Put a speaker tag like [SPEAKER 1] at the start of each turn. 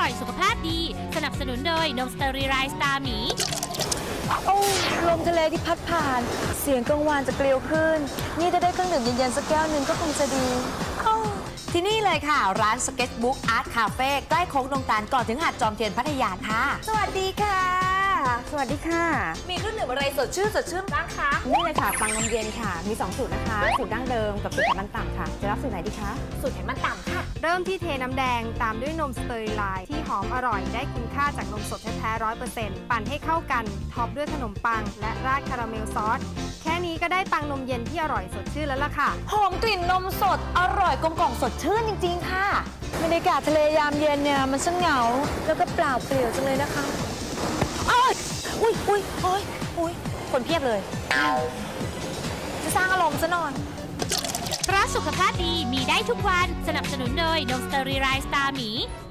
[SPEAKER 1] อยสุขภาพดีสนับสนุนโดยนมสเตอรีไรส์ตาหมี
[SPEAKER 2] โอ้ลมทะเลที่พัดผ่านเสียงกังวานจะเกลียวขึ้นนี่จะได้เครื่องดื่มเย็นๆสักแก้วหนึ่งก็คงจะดี
[SPEAKER 3] ที่นี่เลยค่ะร้าน Sketchbook Art Cafe ใกล้โค้งดงตาลก่อนถึงหาดจอมเทียนพัทยาค่ะ
[SPEAKER 2] สวัสดีค่ะสวัสดีค่ะ
[SPEAKER 3] มีเครื่องดื่มอะไรสดชื่นบ้างคะ
[SPEAKER 2] นี่เลยค่ะปังนมเย็นค่ะมี2สูตรนะคะสูตรดั้งเดิมกับสูตรไขมันต่ำค่ะจะรับสูตรไหนดีคะ
[SPEAKER 3] สูตรไขมันต่ำค่ะ
[SPEAKER 4] เริ่มที่เทน้ำแดงตามด้วยนมสเตอริไลน์ที่หอมอร่อยได้คุณค่าจากนมสดแท้ๆ100%ปั่นให้เข้ากันท็อปด้วยขนมปังและราดคาราเมลซอสแค่นี้ก็ได้ปังนมเย็นที่อร่อยสดชื่นแล้วล่ะค่ะ
[SPEAKER 3] หอมกลิ่นนมสดอร่อยกลมกล่อมสดชื่นจริงๆค่ะ
[SPEAKER 2] บรรยากาศทะเลยามเย็นเนี่ยมันช่างเหงาแล้วก็เปล่าเปลี่ยวจังเลยนะคะอุ้ยคนเพียบเลยจะสร้างอารมณ์ซะหน่อย
[SPEAKER 1] เพราะสุขภาพดีมีได้ทุกวันสนับสนุนโดยนมสเตอรีไรส์ตาหมี